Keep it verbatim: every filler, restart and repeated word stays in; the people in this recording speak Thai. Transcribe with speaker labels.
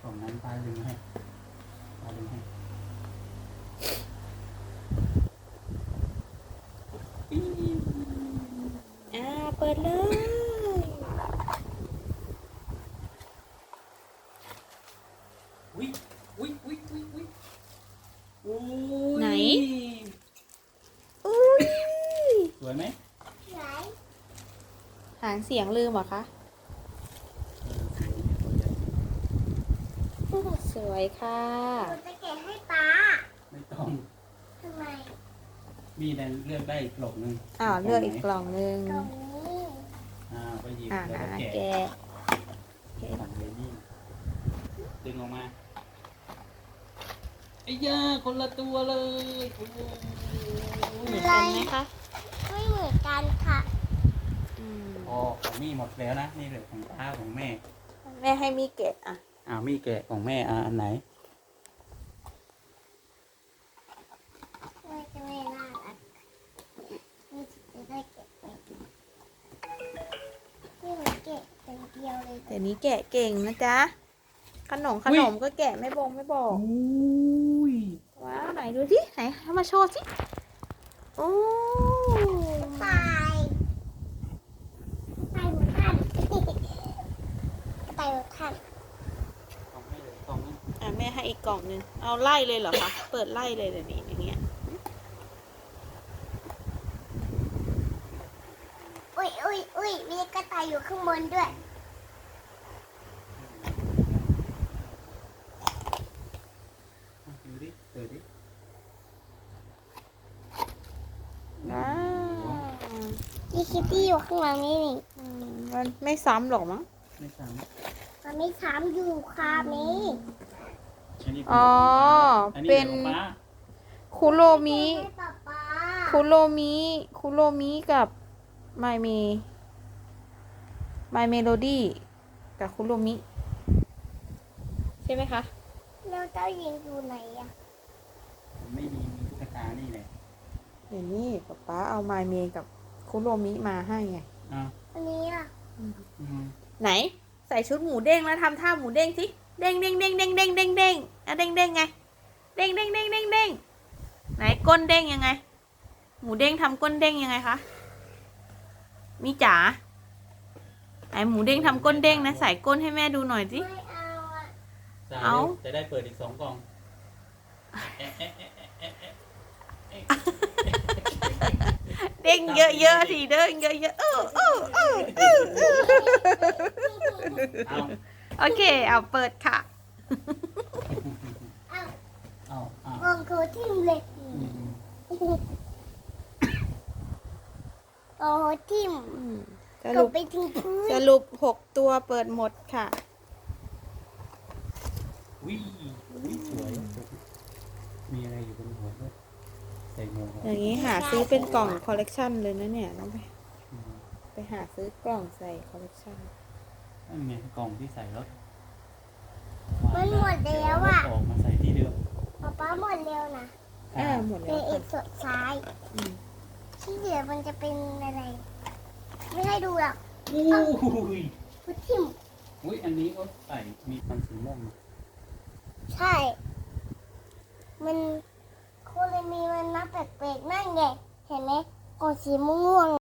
Speaker 1: ล่องนั้นป้าดึงให้ป้าดึงให้
Speaker 2: อ่าเปิดเลย
Speaker 1: อุ้ยอุ้ยอุ้ยอุ้ยอุ้ยอุ้ย
Speaker 2: ไหนอุ้ย
Speaker 1: สวยไหม
Speaker 2: หางเสียงลืมเหรอคะ สวยค่ะ
Speaker 3: หนูจะแกะให้ป้า
Speaker 1: ไม่ต้อง
Speaker 3: ทำไม
Speaker 1: มีแต่เลือกได้อีกกล่องหนึง
Speaker 2: อ้าวเลือกอีกกล่องหนึ่ง
Speaker 3: ตรงนี้
Speaker 1: อ่าไปหยิบ
Speaker 2: อ่า
Speaker 1: แล้วก็แกะ
Speaker 2: แกะแกะ
Speaker 1: ของเรนนี่ดึงออกมาไอ้ย่าคนละตัวเลยโอ้โห
Speaker 2: เหมือนกันไหมคะ
Speaker 3: ไม่เหมือนกันค่ะ
Speaker 2: อืม
Speaker 1: พอของมี่หมดแล้วนะนี่เหลือของป้าของแม่
Speaker 2: แม่ให้มีเกะอ่ะ
Speaker 1: อ่ามี่แกะของแม่อ่าอันไหน
Speaker 3: ไม่จะไม่น่ารักนี่จะได้เก็บไปนี่หนูเก็บเป็นเดียวเลย
Speaker 2: เดี๋ยวนี้แกะเก่งนะจ๊ะ ขนมขนมก็แกะไม่บงไม่บอก
Speaker 1: อุ้ย
Speaker 2: ว้าวไหนดูสิไหนเอามาโชว์สิโอ้
Speaker 3: ตายตายหมดท่านตายหมดท่าน
Speaker 1: ของแม่เหลือกล่องนึง
Speaker 2: อ่ะแม่ให้อีกกล่องหนึงเอาไล่เลยเหรอคะเปิดไล่เลยเดี๋ยวนี้อย่างเงี้ย
Speaker 3: อุ้ยอุ้ยอุ้ยมีกระต่ายอยู่ข้างบนด้วย
Speaker 1: ดูดิเปิดดิ
Speaker 2: ว้าว
Speaker 3: มีคิตตี้อยู่ข้างหลังนี่นี่
Speaker 2: อืมมันไม่ซ้ำหรอกมั้ง
Speaker 1: ไม่ซ้
Speaker 3: มันไม่ช้ำอยู่ค่ะนี้
Speaker 1: ำอันนี้
Speaker 2: อ๋อ
Speaker 1: อันนี้
Speaker 2: เป็น
Speaker 1: ของป้า
Speaker 2: คุโรมิ
Speaker 3: ให้ป๊าป๊า
Speaker 2: คุโรมิคุโรมิกับไมเมไมเมโลดี้กับคุโรมิใช่ไหมคะ
Speaker 3: แล้วเจ้าหญิงอยู่ไหนอะ
Speaker 1: ไม่มีมีตุ๊กตานี่แหละ
Speaker 2: เดี๋ยวนี้ป๊าป๊าเอาไมเมกับคุโรมิมาให้ไง
Speaker 1: อ่า
Speaker 3: อันนี้อะ
Speaker 1: อืม
Speaker 2: ไหน ใส่ชุดหมูเด้งแล้วทำท่าหมูเด้งสิเด้งเด้งเด้งเด้งเด้งเด้งเด้งอ่ะเด้งเด้งไงเด้งเด้งเด้งเด้งเด้งไหนก้นเด้งยังไง หมูเด้งทำก้นเด้งยังไงคะมีจ๋าไหนหมูเด้งทำก้นเด้งนะใส่ก้นให้แม่ดูหน่อยสิ
Speaker 3: ไม่เอาอะ
Speaker 1: จ่ย
Speaker 2: เอา
Speaker 1: จะได้เปิดอีกสองกล่องเอ๊ะเอ๊ะเอ๊ะเอ๊ะเอ๊ะเอ๊ะ
Speaker 2: เด้งเยอะๆสิเด้งเยอะๆเออเออเออเออเออ
Speaker 1: เอา
Speaker 2: โอเคเอาเปิดค่ะ
Speaker 3: เอา
Speaker 1: เอาเอา
Speaker 3: วงโคทิมเลย
Speaker 1: อืม
Speaker 3: โอ้โหทิม
Speaker 2: อืมส
Speaker 3: ต
Speaker 2: รุ
Speaker 3: ก
Speaker 2: ป
Speaker 3: ไปถึงพื้น
Speaker 2: สรุปหกตัวเปิดหมดค่ะ
Speaker 1: วิวิสวยมีอะไรอยู่บนหัวด้วยใส่หมวก
Speaker 2: อย่างนี้หาซื้อเป็นกล่องคอลเลกชันเลยนะเนี่ยต้องไป
Speaker 1: อืม
Speaker 2: ไปหาซื้อกล่องใส่คอลเลกชัน
Speaker 1: นั่นไงกล่องที่ใส่รถ
Speaker 3: มันหมดแล้วอะ
Speaker 1: ออกมาใส่ที่เดิม
Speaker 3: ป๊าป๊าหมดเร็วนะ
Speaker 2: เออหมด
Speaker 3: เป็
Speaker 2: แล้
Speaker 3: น
Speaker 2: ว
Speaker 3: อี
Speaker 2: ค่ะ
Speaker 3: กสุดท้าย
Speaker 2: อืม
Speaker 3: ที่เหลือมันจะเป็นอะไร ไม่ให้ดูหรอก
Speaker 1: อุ้ย
Speaker 3: พุทิม
Speaker 1: อุ้ยอันนี้ก็ใส่มีพันสีม่วง
Speaker 3: ใช่ มันโคเลมีมันนับแปลกๆนั่นไง เห็นไหมกองสีม่วง